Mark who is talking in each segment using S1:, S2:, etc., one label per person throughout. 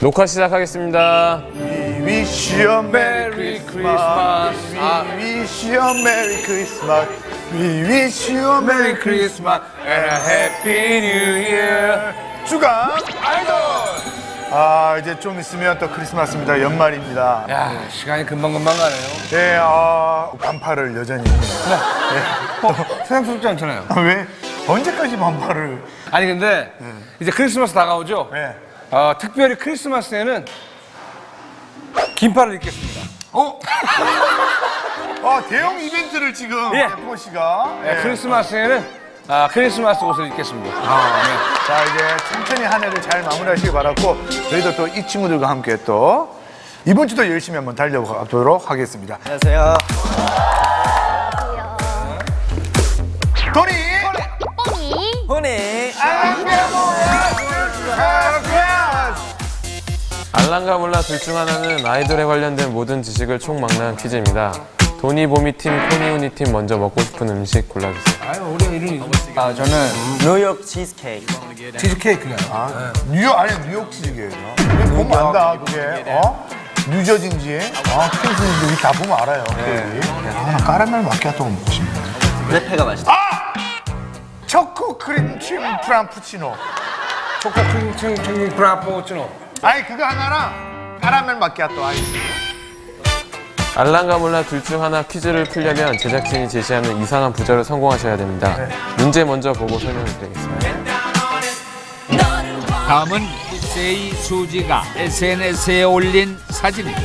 S1: 녹화 시작하겠습니다.
S2: We wish you a Merry Christmas. We wish you a Merry Christmas. We wish you a Merry Christmas and a Happy New Year. 주간 아이돌. 아, 이제 좀 있으면 또 크리스마스입니다. 연말입니다.
S3: 야, 시간이 금방금방 가네요.
S2: 네, 반팔을 여전히. 네.
S3: 세상스럽지 않잖아요.
S2: 왜? 언제까지 반팔을?
S3: 아니 근데 이제 크리스마스 다가오죠?
S2: 네.
S3: 특별히 크리스마스에는 긴팔을 입겠습니다.
S2: 대형 이벤트를 지금
S3: 예.
S2: F4 씨가.
S3: 네, 크리스마스에는 크리스마스 옷을 입겠습니다.
S2: 네. 자, 이제 천천히 한 해를 잘 마무리하시기 바랐고, 저희도 또 이 친구들과 함께 또 이번 주도 열심히 한번 달려보도록 하겠습니다.
S4: 안녕하세요.
S2: 도니!
S4: 호니.
S1: 알랑가 몰라 둘 중 하나는 아이돌에 관련된 모든 지식을 총망라한 퀴즈입니다. 도니 보미 팀, 코니 우니 팀 먼저 먹고 싶은 음식 골라주세요.
S3: 아유, 우리 이름이
S4: 저는 뉴욕 치즈케이크.
S3: 치즈케이크냐?
S2: 뉴욕, 아니, 뉴욕 치즈게요. 보면 안다, 그게. 뉴저지인지, 퀸스인지 다 보면 알아요. 나 까라멜 마키아토가 먹고 싶네.
S4: 레페가 맛있다.
S2: 초코 크림칩 프랑푸치노.
S3: 초코 크림 프라푸치노.
S2: 아니, 그거 하나랑 까라멜 마키아토 아이스.
S1: 알랑가 몰라 둘 중 하나 퀴즈를 풀려면 제작진이 제시하는 이상한 부자로 성공하셔야 됩니다. 문제 먼저 보고 설명을 드리겠습니다.
S5: 다음은 세이 수지가 SNS에 올린 사진입니다.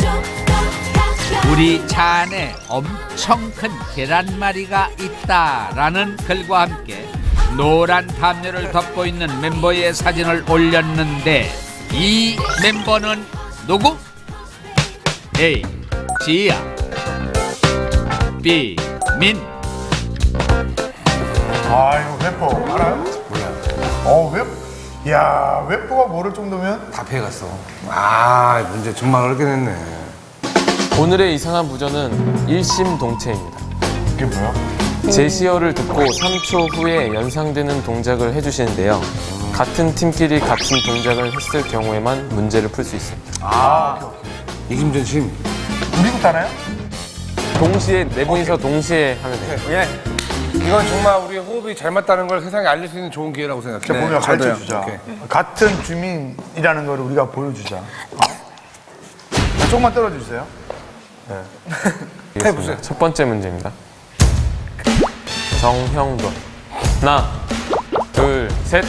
S5: 우리 차 안에 엄청 큰 계란말이가 있다라는 글과 함께 노란 담요를 덮고 있는 멤버의 사진을 올렸는데 이 멤버는 누구? A. 지아 B. 민
S2: 이거 웨퍼 알아요? 몰라요. 웨퍼? 야, 웨퍼가 모를 정도면?
S3: 다 피해갔어. 문제 정말 어렵게 됐네.
S1: 오늘의 이상한 부저는 일심동체입니다.
S2: 이게 뭐야?
S1: 제시어를 듣고 3초 후에 연상되는 동작을 해주시는데요. 같은 팀끼리 같은 동작을 했을 경우에만 문제를 풀 수 있습니다.
S3: 이김전 심.
S2: 우리부터 하나요?
S1: 동시에, 네 분이서 동시에 하면 돼요.
S3: 이건 정말 우리 호흡이 잘 맞다는 걸 세상에 알릴 수 있는 좋은 기회라고 생각해요.
S2: 자, 보면
S3: 저도요.
S2: 가르쳐주자.
S3: 오케이.
S2: 같은 주민이라는 걸 우리가 보여주자. 자, 조금만 떨어주세요.
S1: 해보세요. 첫 번째 문제입니다. 정형돈. 하나, 둘, 셋.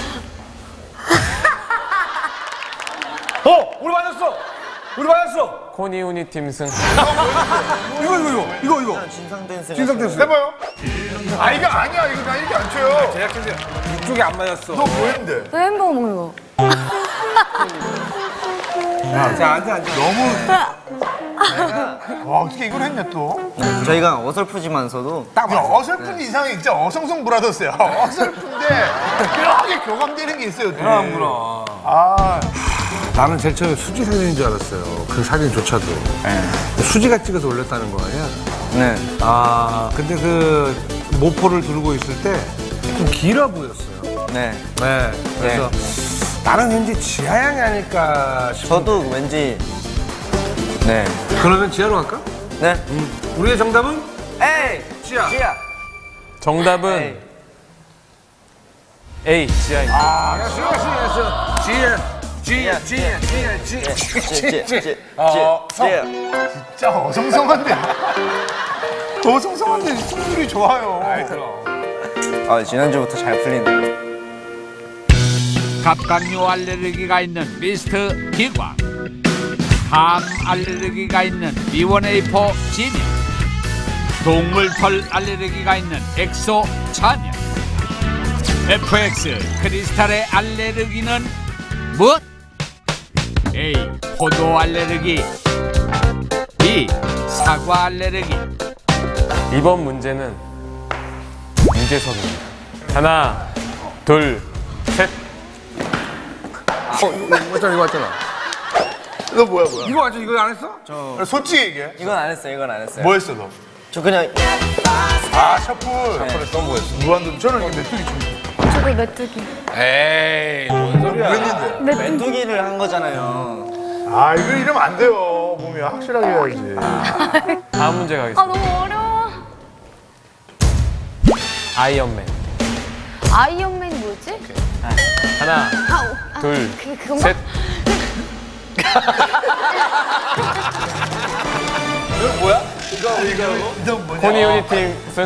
S3: 우리 맞았어! 우리 맞았어!
S1: 코니 우니 팀 승.
S3: 이거.
S4: 진상 댄스.
S2: 해봐요. 이거 아니야. 이거 나 이렇게 안 쳐요.
S3: 제작진들 이쪽이 안 맞았어.
S2: 너 뭐 했는데?
S6: 왜 햄버거 먹는 거?
S3: 자, 앉아.
S2: 와, 어떻게 이걸 했냐 또?
S4: 저희가 어설프지만서도
S2: 야, 어설픈 이상이 진짜 어성성 브라더스야. 어설픈데 묘하게 교감되는 게 있어요.
S3: 그럼. 나는 제일 처음에 수지 사진인 줄 알았어요. 그 사진조차도. 수지가 찍어서 올렸다는 거 아니야?
S4: 네.
S3: 근데 그 모포를 들고 있을 때 좀 길어 보였어요.
S4: 네.
S3: 그래서 나는 왠지 지하 양이 아닐까 싶어.
S4: 저도 왠지 네.
S3: 그러면 지하로 갈까?
S4: 네.
S3: 우리의 정답은?
S4: 에이.
S3: 지하.
S1: 정답은 A. 지하입니다.
S3: 지하.
S2: 진짜 어성성한데. 어성성한데 승률이 좋아요.
S4: 지난주부터 잘 풀리네요.
S5: 갑각류 알레르기가 있는 미스트 기광, 암 알레르기가 있는 B1A4 진영, 동물털 알레르기가 있는 엑소 찬영, FX 크리스탈의 알레르기는 무엇? A. 포도 알레르기 B. 사과 알레르기.
S1: 이번 문제는 유재석입니다. 하나, 둘, 셋.
S3: 이거 왔잖아.
S2: 너 뭐야?
S3: 이거 완전 이거 안 했어?
S2: 솔직히 얘기해.
S4: 이건 안 했어요.
S2: 뭐 했어 너?
S4: 저 그냥
S2: 셔플. 셔플 했어. 뭐 했어? 무한도 저는 이거 메뚜기 춤.
S6: 저도 메뚜기.
S3: 에이, 뭔 소리야.
S2: 그랬는데.
S4: 메뚜기를 한 거잖아요.
S2: 아, 이거 이러면 안 돼요. 몸이 확실하게 해야지.
S1: 다음 문제 가겠습니다.
S6: 아 너무 어려워.
S1: 아이언맨.
S6: 아이언맨이 뭐였지?
S1: 하나, 둘,
S6: 그건가?
S1: 셋.
S2: 이거 뭐냐?
S1: 코니 유니팀 승.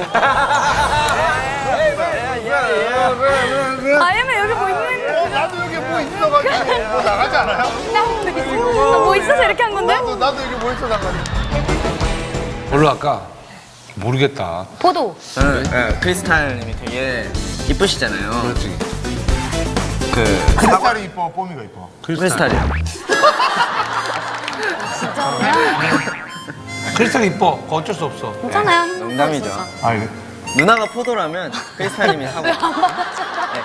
S6: 아이언맨 여기 뭐 있는?
S2: 나도 여기 뭐 있어가지고 뭐 나가지 않아요?
S6: 뭐 있어서 이렇게 한 건데?
S2: 나도 여기 뭐 있어 나가지.
S3: 뭘로 할까? 모르겠다.
S6: 포도.
S4: 저는 크리스탈님이 되게 이쁘시잖아요.
S3: 그렇지.
S2: 크리스탈이 이뻐, 뽀미가 이뻐.
S4: 크리스탈이요.
S3: 크리스탈이 이뻐. 그거 어쩔 수 없어.
S6: 괜찮아요.
S4: 농담이죠.
S2: 아, 이거.
S4: 누나가 포도라면 크리스탈님이 사과. 네.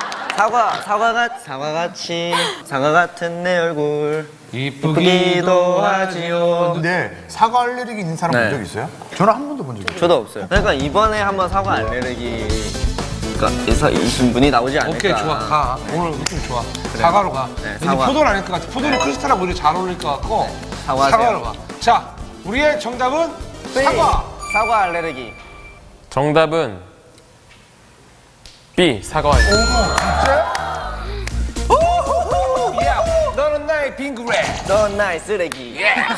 S4: 사과 같은 내 얼굴 이쁘기도 하지요.
S2: 근데 사과 알레르기 있는 사람
S4: 네.
S2: 본 적 있어요? 저는 한 번도 본 적이 없어요.
S4: 저도 없어요. 그러니까 이번에 한번 사과 알레르기가 있으신 분이 나오지 않을까.
S3: 오케이, 좋아. 가. 오늘 느낌 좋아. 사과로 가.
S4: 네,
S3: 근데
S4: 사과.
S3: 포도는 아닐 것 같아. 포도는 크리스탈하고 오히려 잘 어울릴 것 같고.
S4: 사과하세요.
S3: 사과로 가. 자, 우리의 정답은 사과.
S4: 사과 알레르기.
S1: 정답은 B. 사과입니다.
S3: 야, 너는 나의 빙그레.
S4: 넌 나의 쓰레기.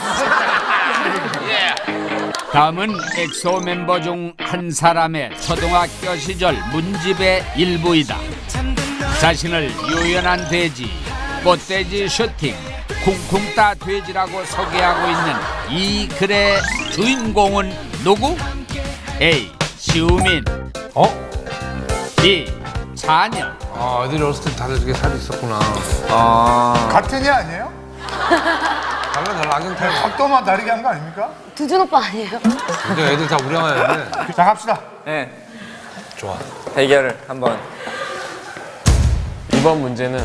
S5: 다음은 엑소 멤버 중 한 사람의 초등학교 시절 문집의 일부이다. 자신을 유연한 돼지, 꽃돼지 슈팅, 쿵쿵 따 돼지라고 소개하고 있는 이 글의 주인공은 누구? A. 시우민. B. 찬열.
S3: 아, 애들이 어렸을 때 다들 저게 살이 있었구나.
S2: 같은 애 아니에요?
S3: 달라, 악연타임.
S2: 각도만 다르게 한 거 아닙니까?
S6: 두준 오빠 아니에요?
S3: 근데 애들 다 우량아였는데.
S2: 자, 갑시다.
S4: 네.
S3: 좋아.
S4: 대결을 한번.
S1: 이번 문제는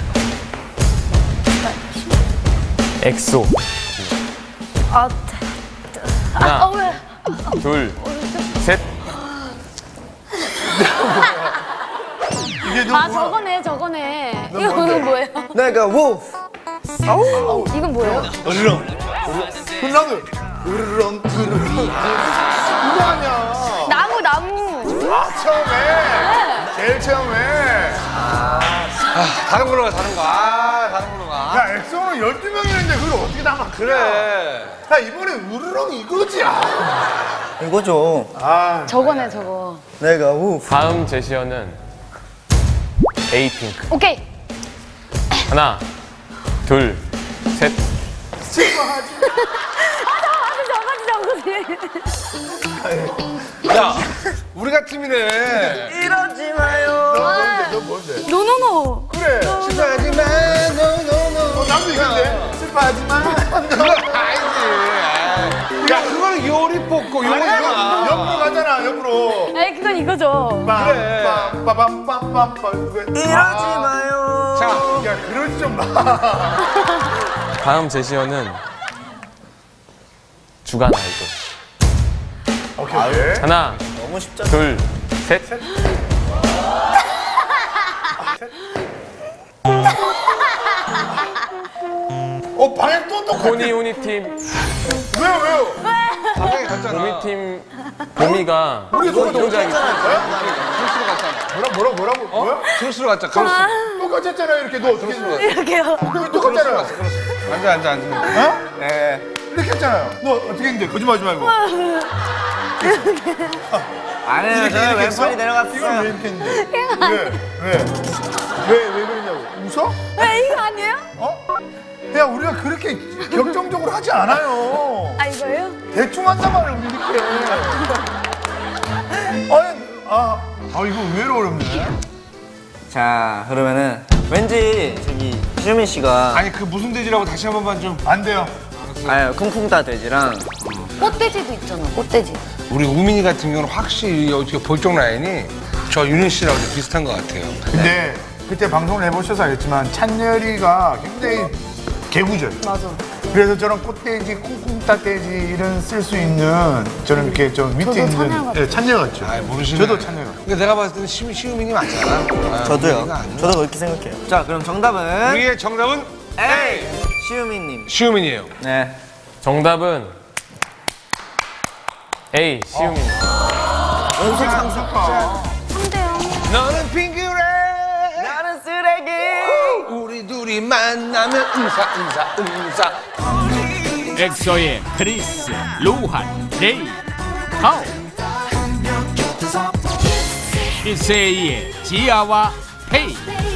S1: 엑소.
S6: 아,
S1: 하나,
S6: 왜?
S1: 둘, 셋.
S2: 이게 너
S6: 아
S2: 뭐야?
S6: 저거네. 이건 뭐예요?
S4: 내가 우프.
S6: 이건 뭐예요?
S2: 나도 으르렁 으르렁 이거 아니야.
S6: 나무.
S2: 아, 처음에. 제일 처음에.
S3: 다른 걸로 가, 다른 거. 다른 걸로 가.
S2: 야, 엑소는 12명이는데 그걸 어떻게 다 맞추냐?
S3: 그래.
S2: 야, 이번에 으르렁 이거지.
S4: 이거죠.
S6: 저거네 저거.
S4: 내가 우프.
S1: 다음 제시어는 에이핑크.
S6: 오케이.
S1: 하나, 둘, 셋.
S6: 저거지.
S3: 야, 우리가 팀이네.
S4: 이러지 마요.
S2: 너 뭔데?
S6: 노노노.
S2: 그래.
S4: 하지마. 노노노.
S2: 나도 이건데. 슬퍼하지 마.
S3: 그건 아니지. 야, 그거는 요리 뽑고 요거잖아.
S2: 옆으로 가잖아, 옆으로.
S6: 에이 그건 이거죠.
S3: 그래.
S2: 빰빰빰빰빰.
S4: 이러지 마요.
S3: 자,
S2: 야, 그러지 좀 마.
S1: 다음 제시어는 주간 아이돌.
S2: 오케이.
S1: 하나,
S4: 너무 쉽죠.
S1: 둘, 셋.
S2: 방에 또 똑같아.
S1: 코니 유니팀,
S2: 왜요?
S3: 방향이 같잖아.
S1: 보미팀, 보미가 손동작이
S2: 뭐라고? 뭐야?
S3: 크로스로 갔자, 크로스.
S2: 똑같이 했잖아요, 이렇게. 너 어떻게 했어?
S6: 이렇게요.
S2: 똑같잖아요.
S3: 앉아.
S4: 네.
S2: 이렇게 했잖아요. 너 어떻게 했는데? 거짓말하지 말고.
S4: 아니에요. 저는 왼팔이
S2: 이걸 왜
S4: 내려갔어요.
S2: 이렇게 했는데? 왜 그러냐고. 웃어?
S6: 왜 이거 아니에요?
S2: 야, 우리가 그렇게 격정적으로 하지 않아요.
S6: 아 이거예요?
S2: 대충 한단 말이야, 우리 이렇게. 아니, 이거 의외로 어렵네.
S4: 자, 그러면은 왠지 저기 수민 씨가
S3: 아니, 그 무슨 돼지라고 다시 한 번만 좀.
S2: 안 돼요.
S4: 쿵쿵 따 돼지랑
S6: 꽃돼지도 있잖아. 꽃돼지.
S3: 우리 우민이 같은 경우는 확실히 어떻게 볼적 라인이 저 윤희 씨랑 좀 비슷한 것 같아요.
S2: 근데 그때 방송을 해보셔서 알겠지만 찬열이가 굉장히 개구절.
S6: 맞아.
S2: 그래서 저런 꽃돼지, 콩콩따돼지 이런 쓸 수 있는 저는 이렇게 좀 밑에
S6: 저도 찬열
S2: 있는
S6: 같아요.
S2: 찬열 같죠.
S3: 모르시네.
S2: 저도 찬열 같아요.
S3: 근데 내가 봤을 때는 시우민이 맞잖아.
S4: 저도요. 저도 그렇게 생각해요. 자, 그럼 정답은
S3: 우리의 정답은 A.
S4: 시우민님.
S3: 시우민이에요.
S4: 네.
S1: 정답은 A. 시우민.
S4: 연속 상승.
S6: 3대0.
S3: 너는 핑크래.
S4: 나는 쓰레기.
S3: 우리 둘이 만나면 응사.
S5: 엑소의 크리스, 루한, 제이, 하오. 이세이의 지아와 페이.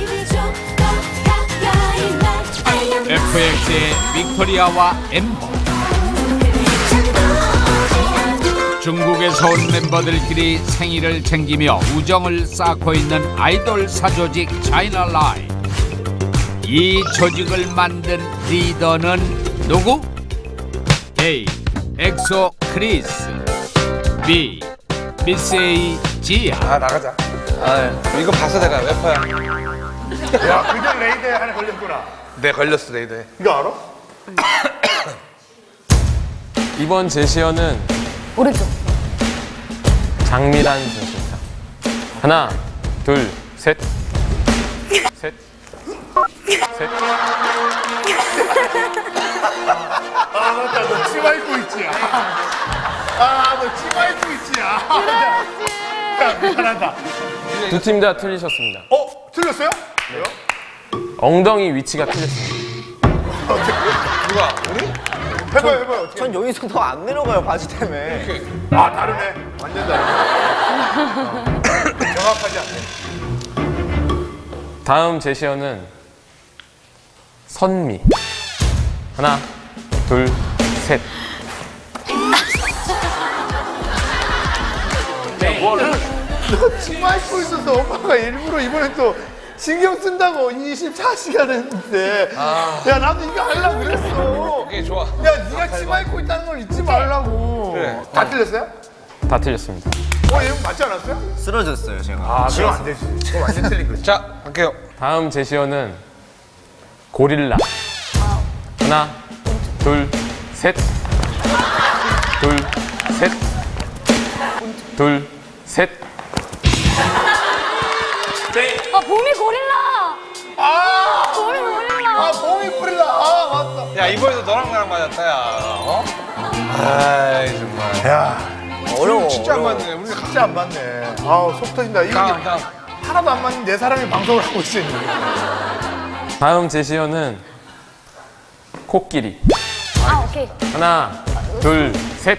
S5: FX의 빅토리아와 엠버. 중국에서 온 멤버들끼리 생일을 챙기며 우정을 쌓고 있는 아이돌 사조직 차이나라이. 이 조직을 만든 리더는 누구? A. 엑소 크리스. B. 미세이 지아.
S3: 아 나가자. 이거 봤어 내가 래퍼야.
S2: 야, 그전 레이더에 하나 걸렸구나.
S3: 내 걸렸어 레이더에.
S2: 이거 알아?
S1: 이번 제시어는
S6: 오른쪽.
S1: 장미란 제시입니다. 하나, 둘, 셋. 셋. 셋.
S2: 아, 맞다. 너 치마 입고 있지? 아, 너 치마 입고 있지? 야, 미안하다.
S1: 두 팀 다 틀리셨습니다.
S2: 틀렸어요? 왜요?
S1: 엉덩이 위치가 틀렸습니다.
S3: 누가 우리?
S2: 해봐요. 어떻게.
S4: 전 여기서 더 안 내려가요, 바지 때문에.
S2: 아, 다르네. 완전 다르네. 정확하지 않네.
S1: 다음 제시어는 선미. 하나, 둘, 셋.
S2: 너 치마 입고 있어서 오빠가 일부러 이번에 또 신경 쓴다고 24시간 했는데. 야, 나도 이거 하려고 그랬어.
S3: 오케이 좋아.
S2: 야, 네가 치마 입고 있다는 걸 잊지 말라고.
S3: 그래.
S2: 다 틀렸어요?
S1: 다 틀렸습니다.
S2: 얘 맞지 않았어요?
S4: 쓰러졌어요, 제가.
S2: 아, 그럼 안 되지. 그거 완전 틀린 거지.
S3: 자 갈게요.
S1: 다음 제시어는 고릴라. 하나, 둘, 셋. 둘, 셋. 둘, 셋.
S6: 아, 봄이 고릴라. 봄이 고릴라.
S2: 봄이 뿌릴라. 아, 맞다.
S3: 야 이번에도 너랑 나랑 맞았다 야. 어? 아이 정말.
S2: 야,
S4: 어려워.
S3: 진짜 안 맞네. 우리
S2: 진짜 안 맞네. 아우, 속 터진다. 이거
S3: 다음.
S2: 하나도 안 맞는 내 사람이 방송을 하고 있어.
S1: 다음 제시어는 코끼리.
S6: 아, 오케이.
S1: 하나, 둘, 셋.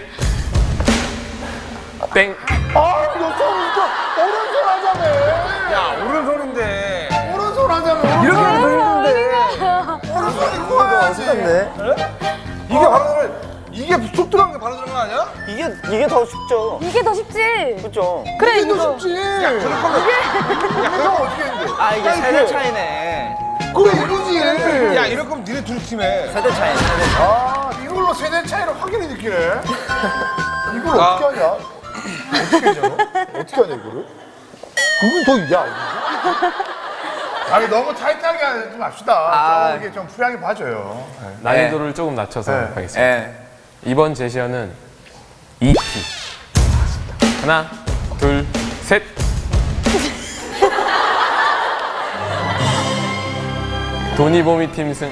S1: 땡.
S2: 아, 너 오른손 하자며.
S3: 야 오른손인데.
S2: 오른손 하자며.
S3: 이렇게 하면 더 힘든데.
S2: 오른손 입고 와야지.
S3: 이게 바로 이게 속 들어간 게 바로 들어간 거 아니야?
S4: 이게 더 쉽죠.
S6: 이게 더 쉽지.
S4: 그렇죠.
S6: 그래,
S2: 이게
S6: 이거.
S2: 더 쉽지. 야, 그럴 거면. 형 어떻게 했는데?
S4: 아, 이게 세대 차이네.
S2: 그래, 이거지.
S3: 야 이럴 거면 니네 둘이 팀해.
S4: 세대 차이, 세대 차이.
S2: 아, 이걸로 세대 차이를 확연히 느끼네. 이걸 어떻게 하냐? 어떻게 하냐, 너? 어떻게 하냐, 이거를? 그건 더, 야, 이거. 아니, 너무 타이트하게 하지 맙시다.
S4: 아.
S2: 좀 이렇게 좀 프리하게 봐줘요. 네.
S1: 난이도를 조금 낮춰서
S2: 네.
S1: 하겠습니다.
S4: 예.
S1: 이번 제시어는 E.T. 하나, 둘, 셋. 도니보미 팀 승.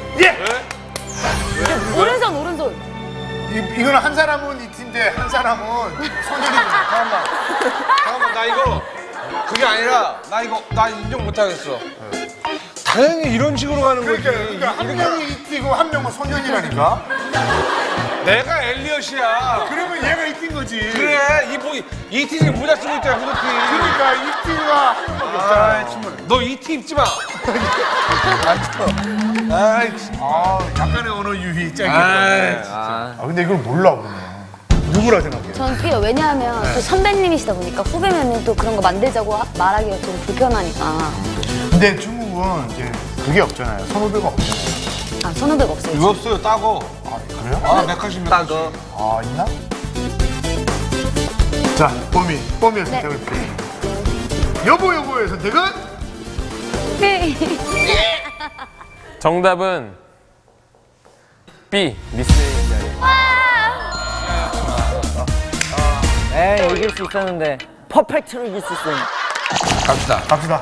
S6: 오른손, 오른손.
S2: 이거는 한 사람은 이 팀인데, 한 사람은 손들이.
S3: 잠깐만 나 이거 그게 아니라 나 이거 나 인정 못 하겠어. 당연히 이런 식으로 가는 거지.
S2: 그러니까 한 명이 이 팀이고 한 명은 손현이라니까?
S3: 내가 엘리엇이야.
S2: 그러면 얘가 이 팀 거지.
S3: 그래 이 팀이 모자 쓰고 있잖아 후드티.
S2: 그러니까 이 팀과 한 명밖에 없잖아.
S3: 너 이 팀 입지 마. 아이
S2: 약간의 언어 유희 짱이겠다.
S3: 아이,
S2: 근데 이걸 몰라, 그러면. 누구라 생각해?
S6: 전 뛰어. 왜냐하면 또 선배님이시다 보니까 후배면은 또 그런 거 만들자고 말하기가 좀 불편하니까.
S2: 근데 중국은 이제 그게 없잖아요. 선후배가 없잖아요.
S6: 아, 선후배가 없어요.
S3: 이거 없어요 따고.
S2: 아, 그래요?
S3: 아 맥카시
S4: 따거.
S2: 아, 있나? 자, 뽀미의
S6: 네.
S2: 선택을 피해. 여보의 선택은?
S6: 네.
S1: 정답은 B. 미스 API.
S4: 에이, 이길 수 있었는데. 퍼펙트로 이길 수 있었는데.
S2: 갑시다.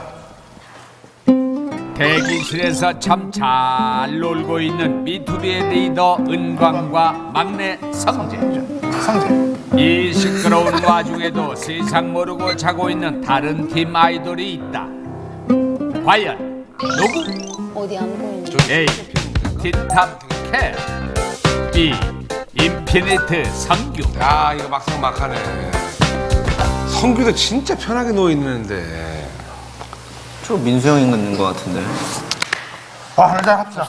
S5: 대기실에서 참 잘 놀고 있는 B2B의 리더 은광과 막내 성재. 이 시끄러운 와중에도 세상 모르고 자고 있는 다른 팀 아이돌이 있다. 과연 누구?
S6: 어디 안 보이는.
S5: A. 틴탑 캣. B. 인피니트 성규.
S3: 야, 이거 막상 막하네. 성규도 진짜 편하게 누워 있는데.
S4: 저 민수 형인 있는 것 같은데.
S2: 하나 합시다.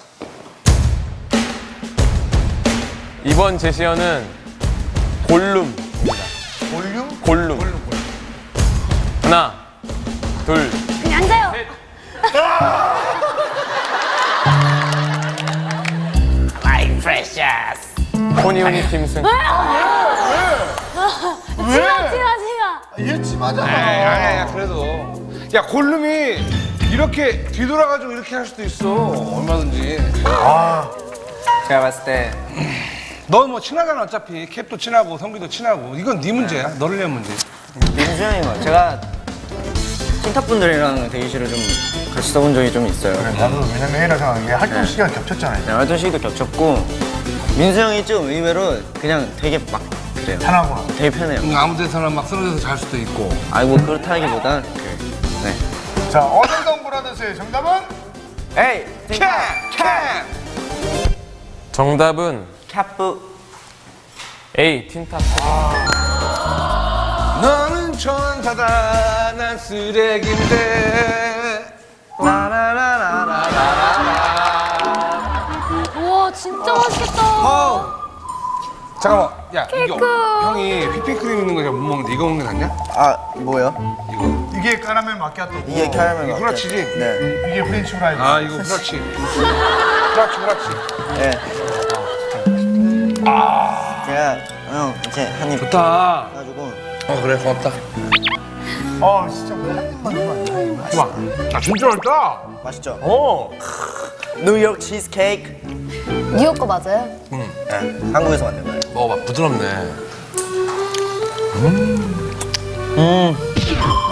S1: 이번 제시어는 골룸입니다. 골룸. 하나, 둘,
S6: 그냥 앉아요.
S1: 포니오니 팀 승.
S6: 치마.
S2: 얘 치마잖아.
S3: 아니야, 그래도. 야, 골룸이 이렇게 뒤돌아가지고 이렇게 할 수도 있어. 얼마든지.
S4: 제가 봤을 때.
S3: 넌 뭐 친하잖아, 어차피. 캡도 친하고, 성규도 친하고. 이건 네 문제야. 너를 위한 문제.
S4: 민수 형인 것 같아요. 제가 틴탑분들이랑 대기실을 좀 같이 써본 적이 좀 있어요.
S2: 나도 왜냐면 A라 생각한 게 활동 시간 겹쳤잖아요.
S4: 네, 활동 시기도 겹쳤고 민수 형이 좀 의외로 그냥 되게 막 그래요.
S2: 편하구나.
S4: 되게 편해요.
S3: 아무 데서나 막 쓰러져서 잘 수도 있고.
S4: 아니 뭐 그렇다기보단 네.
S2: 자, 어덜던 브라더스의 정답은?
S4: 에이 틴탑
S1: 정답은
S4: 캡프.
S1: A. 틴탑.
S3: 너는 천사다, 난 쓰레기인데.
S6: 우와 진짜 맛있겠다.
S3: 잠깐만, 야, 이게 형이 휘핑크림 있는 거 잘 못 먹는데 이거 먹는 게 낫냐?
S4: 아 뭐요?
S2: 이게 카라멜 마키아토고.
S4: 이게 캐러멜
S3: 이게
S4: 마키아토.
S3: 후라치지?
S4: 네.
S2: 이게 프렌치 프라이즈.
S3: 아, 이거 후라치. 후라치.
S4: 네. 제가 형 이제 한입
S3: 좋다.
S4: 해가지고
S3: 그래, 고맙다.
S2: 진짜 한 입만 아니야.
S3: 좋아. 야, 진짜 맛있다.
S4: 맛있죠? 뉴욕 치즈케이크.
S6: 뉴욕 거 맞아요?
S4: 네. 한국에서 만든 거예요.
S3: 먹어봐, 부드럽네.